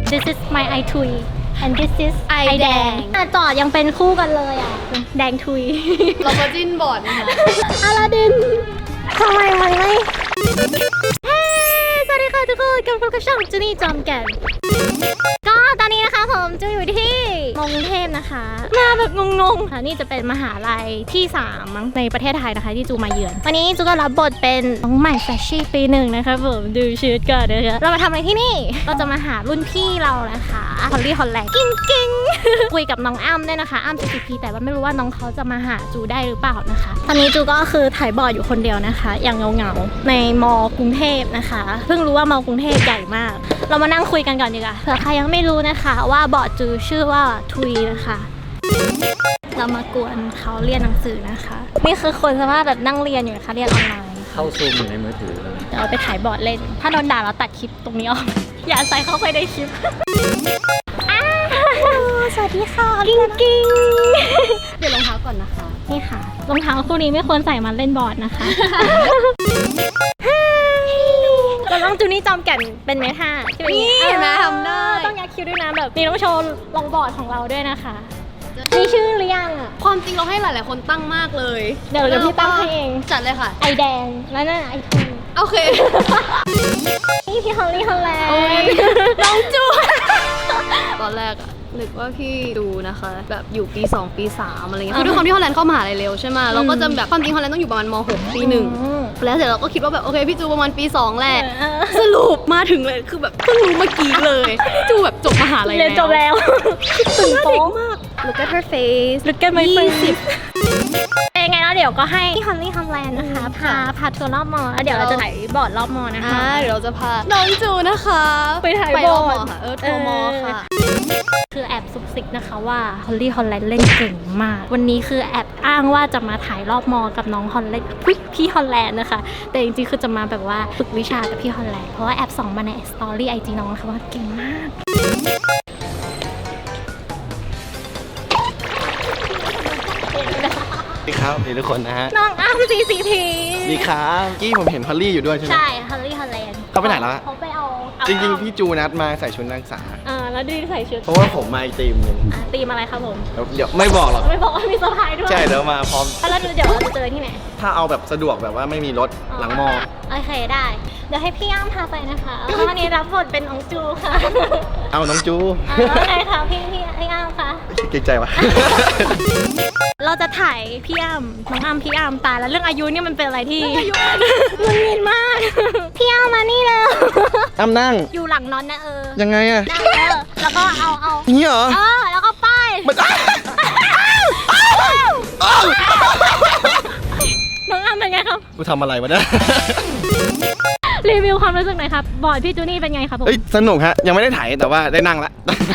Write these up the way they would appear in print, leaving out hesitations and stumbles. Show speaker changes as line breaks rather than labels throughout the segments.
This is my I ทุย and this is ไอแดงจอดยังเป็นคู่กันเลยอ่ะแดงทุย
เราก็จิ้นบอร์ดนะคะ
อลาดินทำไมมันไม่เฮ้สวัสดีค่ะทุกคนกลับมาพบกับช่องจูนี่จอมแก่นก็ตอนนี้นะคะผมจะอยู่ที่กรุงเทพนะคะมาแบบงงๆค่ะนี่จะเป็นมหาลัยที่3มั้งในประเทศไทยนะคะที่จูมาเยือนวันนี้จูก็รับบทเป็นน้องใหม่แฟชชี่ปี 1นะคะผมดูชุดก่อนนะคะเรามาทำอะไรที่นี่เราจะมาหารุ่นพี่เรานะคะฮอลลี่ฮอลแลนด์กิ้ง คุยกับน้องอ้ำด้วยนะคะอ้ำ CCP แต่ว่าไม่รู้ว่าน้องเขาจะมาหาจูได้หรือเปล่านะคะตอนนี้จูก็คือถ่ายบอร์ดอยู่คนเดียวนะคะอย่างเงาๆในมกรุงเทพนะคะเพิ่งรู้ว่ามกรุงเทพใหญ่มากเรามานั่งคุยกันก่อนดีกว่าเผื่อใครยังไม่รู้นะคะว่าบอร์ดจูชื่อว่าทุยนะคะเรามากวนเขาเรียนหนังสือนะคะนี่คือคนสามารถแบบนั่งเรียนอยู่นะคะเรียนออนไลน์
เข้าซูมอยู่ในมือถือเลย
เดี๋ยวเอาไปถ่ายบอร์ดเล่นถ้าโดนด่าเราตัดคลิปตรงนี้ออก อย่าใส่เข้าไปในคลิปสวัสดีค่ะกิ้ง
เดี๋ยวรองเท้าก่อนนะคะ
นี่ค่ะรองเท้าคู่นี้ไม่ควรใส่มาเล่นบอร์ดนะคะเราต้องจูนี่จอมแก่นเป็นเมท่า
นี่เห็นไหมทำได้
ต้องยักคิ้วด้วยนะแบบนี่ต้องโชว์ลองบอร์ดของเราด้วยนะคะมีชื่อหรือยังอ่ะ
ความจริงเราให้หลายๆคนตั้งมากเลย
เดี๋ยวพี่ตั้งให้เอง
จัดเลยค่ะ
ไอแดงแล้วนั่นไอทู
โอเค
นี่พี่ฮอลลี่ฮอลแลนด์
น้องจูตอนแรกอะนึกว่าพี่ดูนะคะแบบอยู่ปี 2 ปี 3อะไรเงี้ยคือด้วยความที่ฮอลแลนด์เข้ามหาลัยเร็วใช่ไหมเราก็จะแบบความจริงฮอลแลนด์ต้องอยู่ประมาณม.6 ปี 1แล้วเสร็จเราก็คิดว่าแบบโอเคพี่จูประมาณปี 2แหละสรุปมาถึงเลยคือแบบเพิ่งรู้เมื่อกี้เลยจูแบบจบมหาลัยแล้ว
เรียนจบแล้วตื่นโป๊
มาก Look at her face
Look at my face เป็นไงแล้วเดี๋ยวก็ให้พี่ฮอลลี่ฮอลแลนด์นะคะพาทัวร์รอบมอแล้วเดี๋ยวเราจะถ่ายบอร์ดรอบมอนะคะ
เดี๋ยวเราจะพาน้องจูนะคะ
ไปถ่ายบอร์ด
ค่ะทัวร์มอค่ะ
คือแอบซุกซิกนะคะว่าฮอลลี่ฮอลแลนด์เล่นเก่งมากวันนี้คือแอบอ้างว่าจะมาถ่ายรอบมอกับน้องฮอลแลนด์พี่ฮอลแลนด์นะคะแต่จริงๆคือจะมาแบบว่าฝึกวิชากับพี่ฮอลแลนด์เพราะว่าแอบส่องมาในสตอรี่IGน้องนะคะว่าเก่งมาก
ดีครับดีทุกคนนะฮะ
น้องอ้ำ CCP
ดีครับกี้ผมเห็นฮอลลี่อยู่ด้วยใช่ไหม
ใช่ฮอลลี่ฮอลแลนด์
เขาไปไหนแล้ว
เขาไปเอา
จริงๆพี่จูนัดมาใส่ชุดนักศึกษา
แล้วดีใส่ชุด
เพราะว่าผมมาอีกทีมนึง
ตีมอะไรครับผม
เดี๋ยวไม่บอกหรอก
ไม่บอกว่ามีเซอร์ไพรส์ด้วย
ใช่เดี๋ยวมาพร้อม
แล้วเดี๋ยวเราจะเจอที่ไหน
ถ้าเอาแบบสะดวกแบบว่าไม่มีรถหลังมอ
โอเคได้เดี๋ยวให้พี่อ้ำพาไปนะคะวันนี้รับบทเป็นน้องจูค่ะ
เอาน้องจู
ไงคะพี่อ้ำคะ
เกรงใจวะ
เราจะถ่ายพี่อ้ำน้องอ้ำพี่อ้ำตายแล้วเรื่องอายุนี่มันเป็นอะไรที่มันมินมากพี่อ้ำมานี่เลย
อ้ำนั่ง
อยู่หลังนอนนะ
ยังไงอะ
แล้วก็เอา
นี่เหรอ
แล้วก็ป้ายน้องอ้ำเป็นไงครับ
กูทำอะไรวะเนี่ย
รีวิวความรู้สึกหน่อยครับบอร์ดพี่จูนี่เป็นไงครับผม
สนุกฮะยังไม่ได้ถ่ายแต่ว่าได้นั่งละ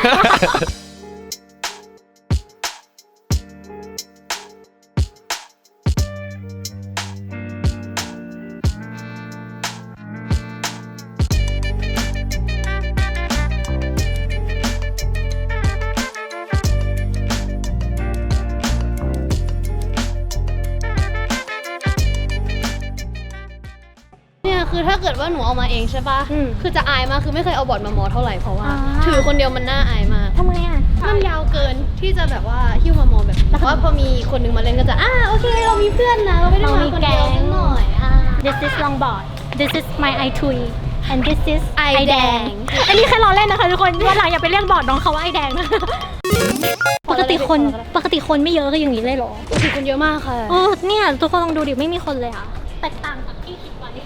คือถ้าเกิดว่าหนูเอามาเองใช่ป่ะคือจะอายมากคือไม่เคยเอาบอร์ดมามอเท่าไหร่เพราะว่าถือคนเดียวมันน่าอายมาก
ทำไมอ่ะ
มันยาวเกินที่จะแบบว่าหิ้วมามอแบบว่าพอมีคนนึงมาเล่นก็จะโอเคเรามีเพื่อนนะเราไม่ได้มาคนเดียวหน่อย
This is longboard This is my I ทุย and this is
ไอแดง
อันนี้แค่ล้อเล่นนะคะทุกคนวันหลังอย่าไปเรียกบอร์ดน้องเขาว่าไอแดงนะปกติคนไม่เยอะก็อย่างนี้เลยหรอ
ปกติคนเยอะมากค่ะ
เนี่ยทุกคนลองดูดิไม่มีคนเลยอ่ะแตกต่างจากที่คิดไว้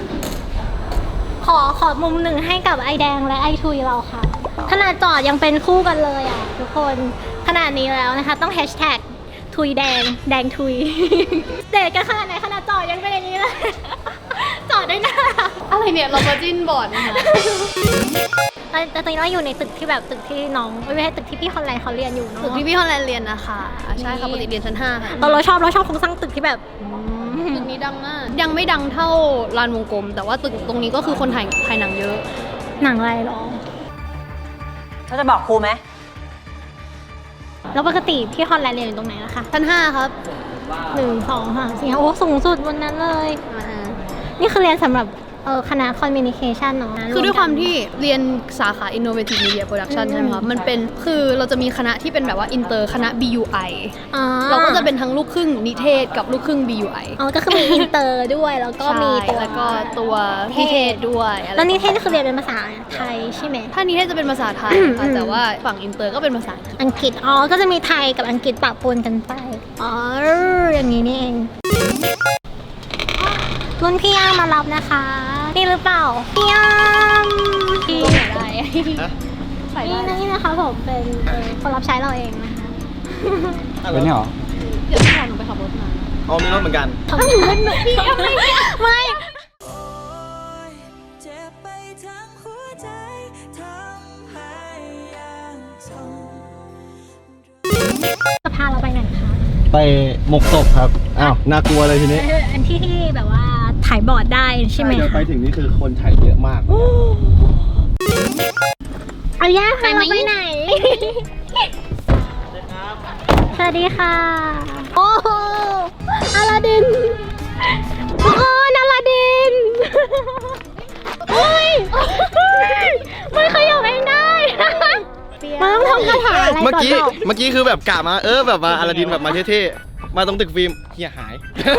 ขอมุมหนึ่งให้กับไอแดงและไอทุยเราค่ะขนาดจอดยังเป็นคู่กันเลยอ่ะทุกคนขนาดนี้แล้วนะคะต้องแฮชแท็กทุยแดงทุยเด็กกันขนาดไหนขนาดจอดยังเป็นอย่างนี้เลยจอดได้หน้า
อะไรเนี่ยเรามาจิ้นบอร์ดนะคะ
แต่ตอนนี้เราอยู่ในตึกที่แบบตึกที่น้องไม่ใช่ตึกที่พี่ฮอลแลนด์เขาเรียนอยู่เนาะ
ตึกที่พี่ฮอลแลนด์เรียนนะคะใช่ค่ะปกติเรียนชั้น5ค่ะ
เราชอบโครงสร้างตึกที่แบบ
ตึกนี้ดังมากยังไม่ดังเท่าลานวงกลมแต่ว่าตึกตรงนี้ก็คือคนถ่ายหนังเยอะ
หนังอะไรหรอ
เขาจะบอกครูไหม
แล้วปกติที่ฮอลแลนด์เรียนอยู่ตรงไหนล่ะคะ
ชั้น5ครับ
1 2 3 4โอ้สูงสุดบนนั้นเลยนี่คือเรียนสำหรับคณะ communication เนาะ
คือด้วยความที่เรียนสาขา innovative media production ใช่ไหมคะมันเป็นคือเราจะมีคณะที่เป็นแบบว่าอินเตอร์คณะ BUI
อ๋อ
เราก็จะเป็นทั้งลูกครึ่งนิเทศกับลูกครึ่ง BUI
อ๋อก็คือมีอินเตอร์ด้วยแล้วก็มีตัว
แล้วก็ตัวนิเทศด้วยอะไร
แล้วนิเทศคือเรียนเป็นภาษาไทยใช่ไหม
ถ้านิเทศจะเป็นภาษาไทยค่ะแต่ว่าฝั่งอินเตอร์ก็เป็นภาษาอังกฤษ
อังกฤษอ๋อก็จะมีไทยกับอังกฤษปะปนกันไปอ๋ออย่างนี้นี่เองรุ่นพี่ย่ามารับนะคะนี่หรือเปล่าพี่ย่าพี่
ได้ ใส่ได้
นี่นะคะผมเป็นคนรับใช้เราเองนะคะ
เป็นเนี่ยหรอ
เดี๋ยวพี่พาหนูไปขับรถมา
อ๋อมีรถเหมือนกัน
ทำหนูเป็นหนูพี่ไม่
เจ็บไปทั้งหัวใจทำให้ยังทน
จะพาเราไปไหนคะ
ไปหมกศพครับ อ้าวน่ากลัวเลยทีนี้
อันที่แบบว่าถ่ายบอร์ดได้ใช่ไหม
เดี๋ยว
คะ
ไปถึงนี่คือคนถ่ายเยอะมาก
เอาย่าพาเราไปไหนสวัสดีค่ะโอ้โหอลาดินทุกคนอลาดินโอ้ยมันขยับเองได้มันต้องทำคาถาอะไรก่อน
เมื่อกี้
เปล่า
เมื่อกี้คือแบบกะมาแบบมาอลาดินแบบมาเท่ๆ มาตรงตึกฟิล์มเฮียหาย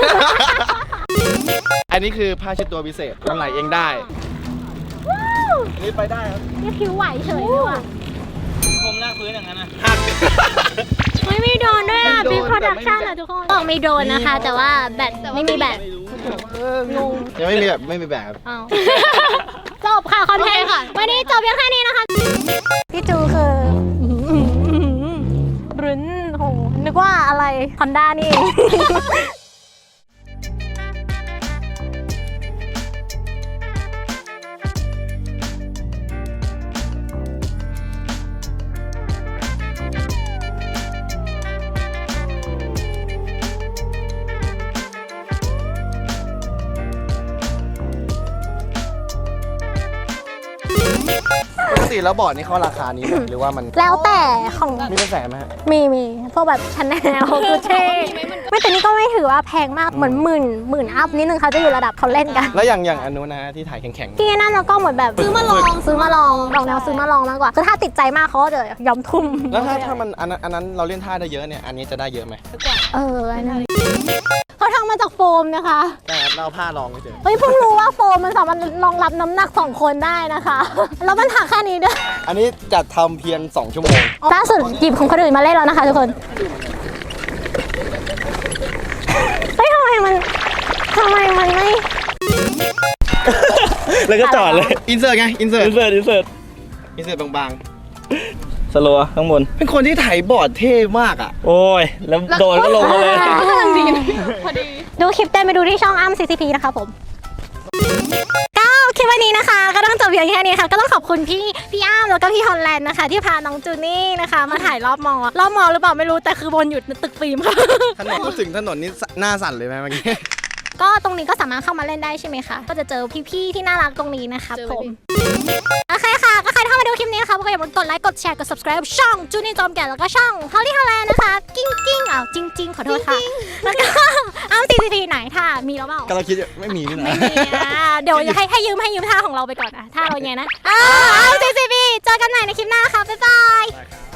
อันนี้คือผ้าเช็ดตัวพิเศษมันไหลเองได้นี่ไปได้ครับ
นี่ผิวไหวเฉยเลยว่ะ
ผมลากพื้นอย่างนั้นนะ
ไม่มีโดรนด้วยอ่ะ
ไม่
บิ๊
โด
ก
รน
โปรดักชั่น
แต่ไม่มี
อ่ะทุกคนบอกมีโดรนนะคะ แต่ว่าแบตไม่มีแบต งง
ยังไม่มีแบบไม่มีแบบ
อ้าวจบค่ะคอนเทนต์ค่ะ วันนี้จบเพียงแค่นี้นะคะ พี่จูคือรุนโหนึกว่าอะไรฮอนด้านี่เอง
ปกติแล้วบอร์ดนี่เขาราคานี้ไหมหรือว่ามัน
แล้วแต่ของ
มีเป็นแสนไหมฮะ
มีพวกแบบชาแนลกูเช่ไม่แต่นี่ก็ไม่ถือว่าแพงมากเหมือนหมื่นอัพนิดนึงเขาจะอยู่ระดับเขาเล่นกัน
แล้วอย่างอันนู้นนะฮะที่ถ่ายแข็ง
ที่นั่นเราก็เหมือนแบบซื้อมาลองดอกแนวซื้อมาลองมากกว่าคือถ้าติดใจมากเขาก็จะยอมทุ่ม
ๆ แล้วถ้ามันอันนั้นเราเล่นท่าได้เยอะเนี่ย อันนี้จะได้เยอะไหม
อันนั้นเขาทำมาจากโฟมนะคะ
แต่เราผ้ารองเฉย
เฮ้ยเพิ่งรู้ว่าโฟมมันสามารถรองรับน้ำหนัก2 คนได้นะคะแล้วมันถักแค่นี้ด้วย
อันนี้จัดทำเพียง2 ชั่วโมง
ล่าสุดหยิบของคนอื่นมาเล่นแล้วนะคะทุกคนเฮ้ยทำไมมันไม่
แล้วก็จอดเลย
อินเสิร์ตไง อินเสิร์ต
อินเสิร์ต
อินเสิร์ตบาง
สโลว์ข้างบน
ๆ เป็นคนที่ถ่ายบอร์ดเท่มากอ่ะ
โอ้ย แล้วโดนก็ลงมาเลย
ดูคลิปเต้นไปดูที่ช่องอ้ำ CCP นะคะผมก็คลิปวันนี้นะคะ ก็ต้องจบเพียงแค่นี้ค่ะ ก็ต้องขอบคุณพี่อ้ำแล้วก็พี่ฮอลแลนด์นะคะ ที่พาน้องจูนี่นะคะ มาถ่ายรอบมอหรือเปล่าไม่รู้แต่คือบนอยู่ตึกฟิล์มค่ะ
ถนนพูดถึงถนนนี่หน้าสั่นเลยไหมเมื่อกี้
ก็ตรงนี้ก็สามารถเข้ามาเล่นได้ใช่ไหมคะ ก็จะเจอพี่ๆที่น่ารักตรงนี้นะคะผมโอเคค่ะ ก็ใครที่เข้ามาดูคลิปนี้นะคะก็อย่าลืมกดไลค์กดแชร์กด subscribe ช่องจูนี่จอมแก่นแล้วก็ช่องฮอลลี่ฮอลแลนด์นะคะกิ้งอ้าวจริงขอโทษค่ะแล้วก็อ้ำ CCP ไหนท่ามีแล้วเปล่า
ก็เราคิดอยู่ไม่มีนี่นะ
เดี๋ยวให้ยืมท่าของเราไปก่อนท่าเราอย่างเงี้ยนะอ้าว CCP เจอกันใหม่ในคลิปหน้าค่ะบ๊ายบาย